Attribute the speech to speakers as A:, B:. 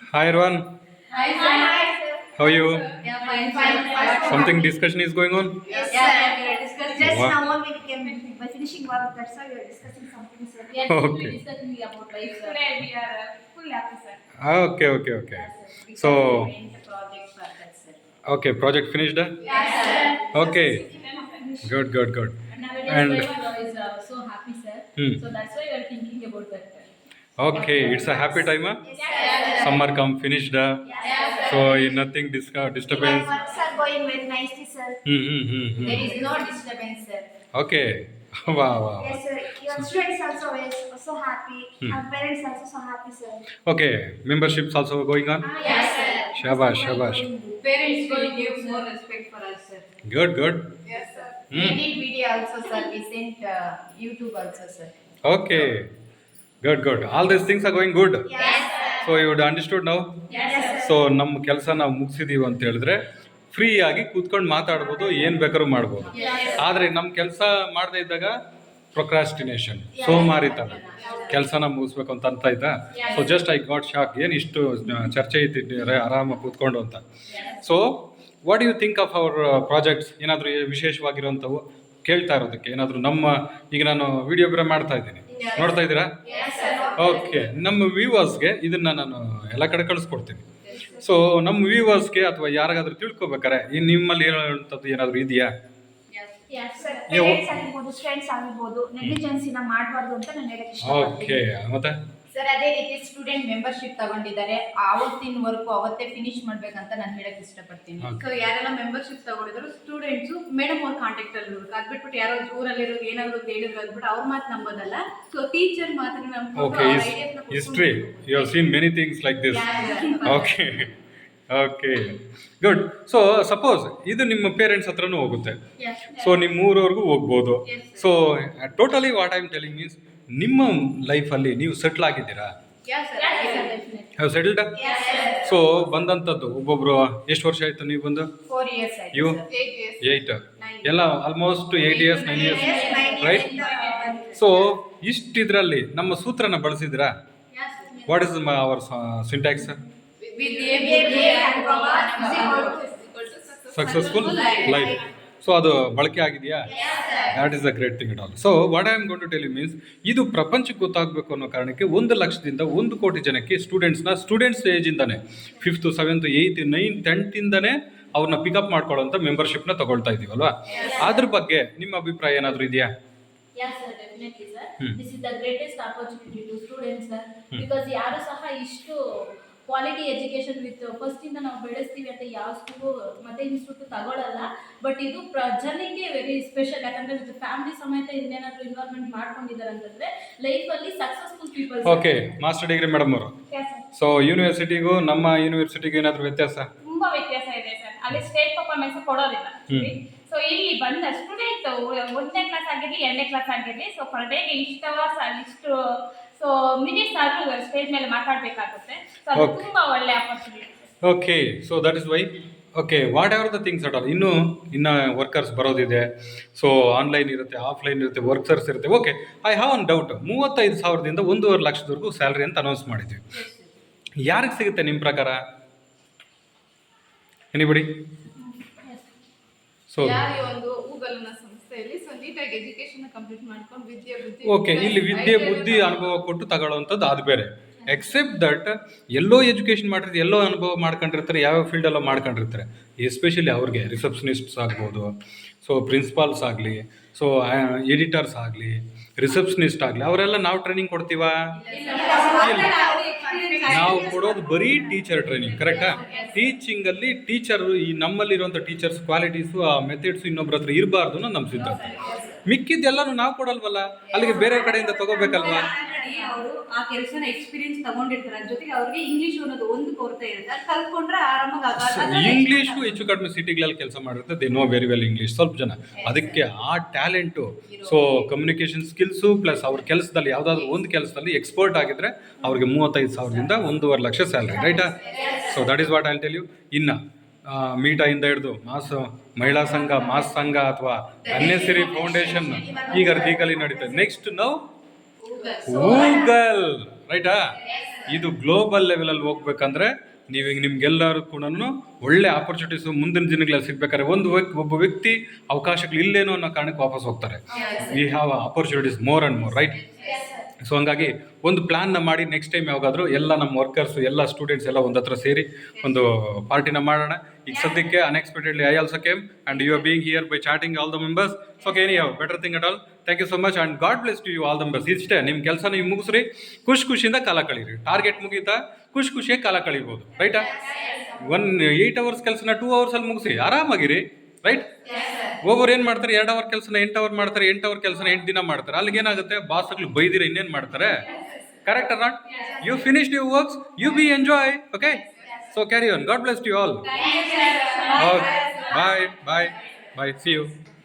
A: Hi everyone,
B: Hi, sir.
A: how are you?
B: Yeah, fine.
A: Something discussion is going on?
B: Yes, sir. We are discussing.
C: Just
A: What?
C: now only we came by finishing work, that's why we are discussing something, sir.
B: Yes,
A: Okay.
B: we are discussing about life, sir. Today we are full happy, sir.
A: Okay.
B: Yes, sir. Because
A: So,
B: we went the project for that, sir.
A: okay, project finished?
B: Yes, sir.
A: Okay, good.
B: Nowadays
A: And
B: life is so happy, sir.
A: Hmm.
B: So that's why we are thinking about that.
A: okay, it's a happy time. Huh?
C: Yes,
B: Yes,
C: sir.
A: Summer come finished.
B: Yes,
A: So
B: sir.
A: nothing
C: Even
A: disturbance.
C: works are going very nicely, sir.
B: There
A: Hmm.
B: is no disturbance, sir.
A: Okay, wow.
C: Yes, sir. Your students also is so happy.
A: Hmm.
C: Our parents also so happy, sir.
A: Okay, memberships also going on?
B: Yes, sir.
A: Shabash.
B: Parents will give more respect for us, sir.
A: Good.
B: Yes, sir.
A: Hmm.
B: We did video also, sir. We sent YouTube also, sir.
A: Okay, good. All these things are going good.
C: Yes, sir.
A: So ಇವ್ರು understood ನಾವು.
B: Yes, sir.
A: So ನಮ್ಮ ಕೆಲಸ ನಾವು ಮುಗಿಸಿದೀವಿ ಅಂತ ಹೇಳಿದ್ರೆ free ಆಗಿ ಕೂತ್ಕೊಂಡು ಮಾತಾಡ್ಬೋದು, ಏನು ಬೇಕಾದ್ರೂ ಮಾಡ್ಬೋದು. ಆದರೆ ನಮ್ಮ ಕೆಲಸ ಮಾಡದೇ ಇದ್ದಾಗ ಪ್ರೊಕ್ರಾಸ್ಟಿನೇಷನ್, ಸೋಮಾರಿತನ, ಕೆಲಸನ ಮುಗಿಸ್ಬೇಕು ಅಂತ ಇದ್ದ. So just I got shock, ಏನು ಇಷ್ಟು ಚರ್ಚೆ ಇದ್ದಿದ್ದಾರೆ ಆರಾಮಾಗಿ ಕೂತ್ಕೊಂಡು ಅಂತ. So what you think of our projects? ಏನಾದರೂ ವಿಶೇಷವಾಗಿರೋಂಥವು ಕೇಳ್ತಾ ಇರೋದಕ್ಕೆ ಏನಾದರೂ ಈಗ ನಾನು ವಿಡಿಯೋ ಬೇರೆ ಮಾಡ್ತಾ ಇದ್ದೀನಿ, ನೋಡ್ತಾ ಇದ್ದೀರಾ?
B: Yes, sir.
A: ಓಕೆ, ನಮ್ಮ ವ್ಯೂವರ್ಸ್ಗೆ ಇದನ್ನ ನಾನು ಎಲ್ಲ ಕಡೆ ಕಳಿಸ್ಕೊಡ್ತೀನಿ. ಸೊ ನಮ್ಮ ವ್ಯೂವರ್ಸ್ಗೆ ಅಥವಾ ಯಾರಿಗಾದ್ರೂ ತಿಳ್ಕೊಬೇಕಾರೆ ನಿಮ್ಮಲ್ಲಿ ಹೇಳುವಂಥದ್ದು ಏನಾದರೂ ಇದೆಯಾ?
B: Yes,
C: sir
B: sir.
C: ಪೇರೆಂಟ್ಸ್ ಆಗಿರ್ಬೋದು, ಸ್ಟೂಡೆಂಟ್ಸ್ ಆಗಿರ್ಬೋದು, ನೆಗ್ಲಿಜೆನ್ಸಿನ ಮಾಡಬಾರ್ದು ಅಂತ ನಾನು ಹೇಳಕ್
A: ಓಕೆ,
C: ಇಷ್ಟಪಡ್ತೀನಿ.
A: ಮತ್ತೆ
B: ಸರ್ ಅದೇ ರೀತಿ ಸ್ಟೂಡೆಂಟ್ ಮೆಂಬರ್ಶಿಪ್ ತಗೊಂಡಿದ್ದಾರೆ, ಆವತ್ತಿನ ವರ್ಕು ಅವತ್ತೇ ಫಿನಿಶ್ ಮಾಡ್ಬೇಕಂತ ನಾನು ಹೇಳಕ್ ಇಷ್ಟಪಡ್ತೀನಿ.
A: Okay.
D: ಸೊ ಯಾರೆಲ್ಲ ಮೆಂಬರ್ಶಿಪ್ ತಗೊಂಡಿದ್ರು ಸ್ಟೂಡೆಂಟ್ಸ್ ಮೇಡಮ್ ಅವ್ರ ಕಾಂಟ್ಯಾಕ್ಟ್ ಅಲ್ಲಿ ಇರ್ಬೇಕು. ಅದ್ಬಿಟ್ಬಿಟ್ಟು ಯಾರೋ ಊರಲ್ಲಿರೋ ಏನಾದ್ರು ಹೇಳಿದ್ರು ಅಂದ್ಬಿಟ್ಟು ಅವ್ರ ಮಾತು ನಂಬೋದಲ್ಲ. ಸೊ ಟೀಚರ್ ಮಾತನ್ನ ನಂಬ್ಕೊಂಡು
A: ಓಕೆ,
D: ಅವ್ರ ideas ನ
A: history you have seen many things like this. Okay good. So suppose ಇದು ನಿಮ್ಮ ಪೇರೆಂಟ್ಸ್ ಹತ್ರನೂ ಹೋಗುತ್ತೆ, ಸೊ ನಿಮ್ಮ ಊರವರೆಗೂ ಹೋಗ್ಬೋದು. So totally what I am telling means ನಿಮ್ಮ ಲೈಫಲ್ಲಿ ನೀವು ಸೆಟ್ಲ್ ಆಗಿದ್ದೀರಾ?
B: Yes, sir, definitely.
A: Have settled?
B: Yes, sir.
A: So ಬಂದಂಥದ್ದು ಒಬ್ಬೊಬ್ರು ಎಷ್ಟು ವರ್ಷ ಆಯ್ತು ನೀವು ಬಂದು?
B: 4 years ಆಯ್ತು,
A: You?
B: sir.
D: 8 years.
A: 8 ಎಲ್ಲ almost 8 years 9 years right. So ಇಷ್ಟಿದ್ರಲ್ಲಿ ನಮ್ಮ ಸೂತ್ರನ ಬಳಸಿದ್ರಾ?
B: Yes, sir.
A: What is our syntax?
D: With
A: successful life. So ಅದು ಬಳಕೆ ಆಗಿದೆಯಾ? That is a great thing it all. So what I am going to tell you means ಇದು ಪ್ರಪಂಚಕ್ಕೆ ಗೊತ್ತಾಗಬೇಕು ಅನ್ನೋ ಕಾರಣಕ್ಕೆ 1 ಲಕ್ಷದಿಂದ 1 ಕೋಟಿ ಜನಕ್ಕೆ students ಏಜಿಂದಾನೆ 5th 7th 8th 9th 10th ಇಂದಾನೆ ಅವ್ರನ್ನ ಪಿಕಪ್ ಮಾಡ್ಕೊಳ್ಳೋಂಥ ಮೆಂಬರ್ಶಿಪ್ನ ತಗೊಳ್ತಾ ಇದೀವಲ್ವಾ? ಅದ್ರ ಬಗ್ಗೆ ನಿಮ್ಮ ಅಭಿಪ್ರಾಯ ಏನಾದರೂ ಇದೆಯಾ?
B: Yes, sir, definitely, sir.
A: Hmm.
B: This is the greatest opportunity to students, sir. Because ಯಾರು ಸಹ ಇಷ್ಟು ಕ್ವಾಲಿಟಿ ಎಜುಕೇಶನ್ ವಿತ್ ಫಸ್ಟ್ ಇಂದ ನಾವು ಬೆಳೆಸ್ತೀವಿ ಅಂತ ಯಾವ ಸ್ಕೂಲು ಮತ್ತೆ ಇನ್ಸ್ಟಿಟ್ಯೂಟ್ ತಗೊಳ್ಳಲ್ಲ. ಬಟ್ ಇದು ಜನಕ್ಕೆ ವೆರಿ ಸ್ಪೆಷಲ್, ಯಾಕಂದ್ರೆ ವಿತ್ ಫ್ಯಾಮಿಲಿ ಸಮೇತ ಇನ್ನೇನಾದ್ರೂ ಇನ್ವಾಲ್ವ್ಮೆಂಟ್ ಮಾಡ್ಕೊಂಡಿದ್ದಾರೆ ಅಂತಂದ್ರೆ ಲೈಫಲ್ಲಿ successful people.
A: Okay, master degree madam ಅವರು. ಸೊ ಯೂನಿವರ್ಸಿಟಿಗೂ ನಮ್ಮ ಯೂನಿವರ್ಸಿಟಿಗೂ ಏನಾದರೂ ವ್ಯತ್ಯಾಸ?
E: ತುಂಬಾ ವ್ಯತ್ಯಾಸ ಇದೆ ಸರ್. ಅಲ್ಲಿ ಸ್ಟೇಟ್ ಪರ್ಫಾರ್ಮೆನ್ಸ್ ಕೊಡೋದಿಲ್ಲ. ಸೊ ಇಲ್ಲಿ ಬಂದ ಸ್ಟೂಡೆಂಟ್ 1ನೇ ಕ್ಲಾಸ್ ಆಗಿರ್ಲಿ 2ನೇ ಕ್ಲಾಸ್ ಆಗಿರ್ಲಿ, ಸೊ ಪರ್ ಡೇಗೆ ಇಷ್ಟು ಅವರ್ಸ್ ಇಷ್ಟು ಸೊ ಮಿನಿಟ್ಸ್ ಆದ್ರೂ ಸ್ಟೇಜ್ ಮೇಲೆ ಮಾತಾಡ್ಬೇಕಾಗುತ್ತೆ. ಸೊ ಅದು
A: Okay.
E: ತುಂಬಾ ಒಳ್ಳೆ opportunity.
A: Okay, so that is why. Okay, whatever the things at all, ಇನ್ನು ವರ್ಕರ್ಸ್ ಬರೋದಿದೆ. ಸೊ ಆನ್ಲೈನ್ ಇರುತ್ತೆ, ಆಫ್ಲೈನ್ ಇರುತ್ತೆ, ವರ್ಕರ್ಸ್ ಇರುತ್ತೆ. Okay, I have one doubt. 35,000ದಿಂದ 1.5 ಲಕ್ಷದವರೆಗೂ ಸ್ಯಾಲ್ರಿ ಅಂತ ಅನೌನ್ಸ್ ಮಾಡಿದ್ವಿ. ಯಾರಿಗೆ ಸಿಗುತ್ತೆ ನಿಮ್ಮ ಪ್ರಕಾರ? ಎನಿಬಡಿ? ಸೊ
D: ಯಾರು ಒಂದು ಗೂಗಲ್ ನ ಸಂಸ್ಥೆಯಲ್ಲಿ ಸೊ ನೀಟಾಗಿ ಎಜುಕೇಶನ್ ಕಂಪ್ಲೀಟ್ ಮಾಡ್ಕೊಂಡು ವಿದ್ಯೆ ಬುದ್ಧಿ
A: ಓಕೆ, ಇಲ್ಲಿ ವಿದ್ಯೆ ಬುದ್ಧಿ ಅನುಭವ ಕೊಟ್ಟು ತಗೊಳ್ಳೋವಂಥದ್ದು ಅದು ಬೇರೆ. ಎಕ್ಸೆಪ್ಟ್ ದಟ್ ಎಲ್ಲೋ ಎಜುಕೇಷನ್ ಮಾಡಿರ್ತಾರೆ, ಎಲ್ಲೋ ಅನುಭವ ಮಾಡ್ಕೊಂಡಿರ್ತಾರೆ, ಯಾವ್ಯಾವ ಫೀಲ್ಡೆಲ್ಲೋ ಮಾಡ್ಕೊಂಡಿರ್ತಾರೆ. ಎಸ್ಪೆಷಲಿ ಅವ್ರಿಗೆ ರಿಸೆಪ್ಷನಿಸ್ಟ್ಸ್ ಆಗ್ಬೋದು, ಸೊ ಪ್ರಿನ್ಸಿಪಾಲ್ಸ್ ಆಗಲಿ, ಸೊ ಎಡಿಟರ್ಸ್ ಆಗಲಿ, ರಿಸೆಪ್ಷನಿಸ್ಟ್ ಆಗಲಿ, ಅವರೆಲ್ಲ ನಾವು ಟ್ರೈನಿಂಗ್ ಕೊಡ್ತೀವಾ? ನಾವು ಕೊಡೋದು ಬರೀ ಟೀಚರ್ ಟ್ರೈನಿಂಗ್, ಕರೆಕ್ಟಾ? ಟೀಚಿಂಗಲ್ಲಿ ಟೀಚರು ಈ ನಮ್ಮಲ್ಲಿರುವಂಥ ಟೀಚರ್ಸ್ ಕ್ವಾಲಿಟೀಸು ಆ ಮೆಥಡ್ಸು ಇನ್ನೊಬ್ರ ಹತ್ರ ಇರಬಾರ್ದು ಅನ್ನೋ ನಮ್ಮ ಸಿದ್ಧಾಂತ. ಮಿಕ್ಕಿದ್ದೆಲ್ಲನೂ ನಾವು ಕೊಡಲ್ವಲ್ಲ, ಅಲ್ಲಿಗೆ ಬೇರೆ ಕಡೆಯಿಂದ ತಗೋಬೇಕಲ್ವಾ?
D: ಅವರು ಆ ಕೆಲಸನ ಎಕ್ಸ್ಪೀರಿಯನ್ಸ್ ತಗೊಂಡಿರ್ತಾರೆ. ಅದ್ರ ಜೊತೆಗೆ ಅವ್ರಿಗೆ ಇಂಗ್ಲಿಷ್ ಅನ್ನೋದು ಒಂದು ಕೊರತೆ ಇರುತ್ತೆ, ಅದು ಕಲ್ತ್ಕೊಂಡ್ರೆ ಆರಾಮಾಗಿ
A: ಇಂಗ್ಲೀಷು ಹೆಚ್ಚು ಕಡಿಮೆ ಸಿಟಿಗಳಲ್ಲಿ ಕೆಲಸ ಮಾಡಿರುತ್ತೆ, they know very well English ಸ್ವಲ್ಪ ಜನ. ಅದಕ್ಕೆ ಆ talent, so communication skills plus ಅವ್ರ ಕೆಲಸದಲ್ಲಿ ಯಾವುದಾದ್ರೂ ಒಂದು ಕೆಲಸದಲ್ಲಿ ಎಕ್ಸ್ಪರ್ಟ್ ಆಗಿದ್ರೆ ಅವ್ರಿಗೆ 35,000ದಿಂದ 1.5 ಲಕ್ಷ ಸ್ಯಾಲ್ರಿ, ರೈಟಾ? So that is what I will tell you. ಇನ್ನು ಮೀಟಾಯಿಂದ ಹಿಡಿದು ಮಹಿಳಾ ಸಂಘ, ಮಾಸ್ ಸಂಘ ಅಥವಾ ಅನ್ನೆಸರಿ ಫೌಂಡೇಶನ್ ಈಗ ಅರ್ಧಿಕಲಿ ನಡೀತದೆ. ನೆಕ್ಸ್ಟ್ ನಾವು ಗೂಗಲ್ ರೈಟಾ? ಇದು ಗ್ಲೋಬಲ್ ಲೆವೆಲಲ್ಲಿ ಹೋಗ್ಬೇಕಂದ್ರೆ ನೀವು ನಿಮ್ಗೆಲ್ಲರೂ ಕೂಡ ಒಳ್ಳೆ ಆಪರ್ಚುನಿಟೀಸ್ ಮುಂದಿನ ದಿನಗಳಲ್ಲಿ ಸಿಗ್ಬೇಕಾದ್ರೆ ಒಬ್ಬ ವ್ಯಕ್ತಿ ಅವಕಾಶಗಳು ಇಲ್ಲೇನೋ ಅನ್ನೋ ಕಾರಣಕ್ಕೆ ವಾಪಸ್ ಹೋಗ್ತಾರೆ. We have opportunities more and more, right? So ಹಂಗಾಗಿ ಒಂದು ಪ್ಲ್ಯಾನ್ನ ಮಾಡಿ ನೆಕ್ಸ್ಟ್ ಟೈಮ್ ಯಾವಾಗಾದರೂ ಎಲ್ಲ ನಮ್ಮ ವರ್ಕರ್ಸು ಎಲ್ಲ ಸ್ಟೂಡೆಂಟ್ಸ್ ಎಲ್ಲ ಒಂದು ಹತ್ರ ಸೇರಿ ಒಂದು ಪಾರ್ಟಿನ ಮಾಡೋಣ. ಈಗ ಸದ್ಯಕ್ಕೆ unexpectedly I also came and you are being here by chatting all the members. So okay, any have better thing at all. Thank you so much and God bless to you all the members. ಇಷ್ಟೇ, ನಿಮ್ಮ ಕೆಲಸ ನೀವು ಮುಗಿಸ್ರಿ, ಖುಷಿಯಿಂದ ಕಾಲ ಕಳೀರಿ. Target ಮುಗೀತಾ ಖುಷಿಯಾಗಿ ಕಾಲ ಕಳೀಬೋದು, ರೈಟಾ? 8 hours ಕೆಲಸನ 2 hours ಮುಗಿಸಿ ಆರಾಮಾಗಿರಿ, ರೈಟ್? ಒಬ್ಬರು ಏನು ಮಾಡ್ತಾರೆ, 2 hour ಕೆಲಸನ 8 hour ಮಾಡ್ತಾರೆ, 8 hour ಕೆಲಸನ 8 ದಿನ ಮಾಡ್ತಾರೆ. ಅಲ್ಲಿಗೆ ಏನಾಗುತ್ತೆ, ಬಾಸ್ಗಳು ಬೈದಿರ ಇನ್ನೇನು ಮಾಡ್ತಾರೆ? Correct or not? You finished your works, you be enjoy. Okay, so carry on. God bless you all. Bye bye bye, see you.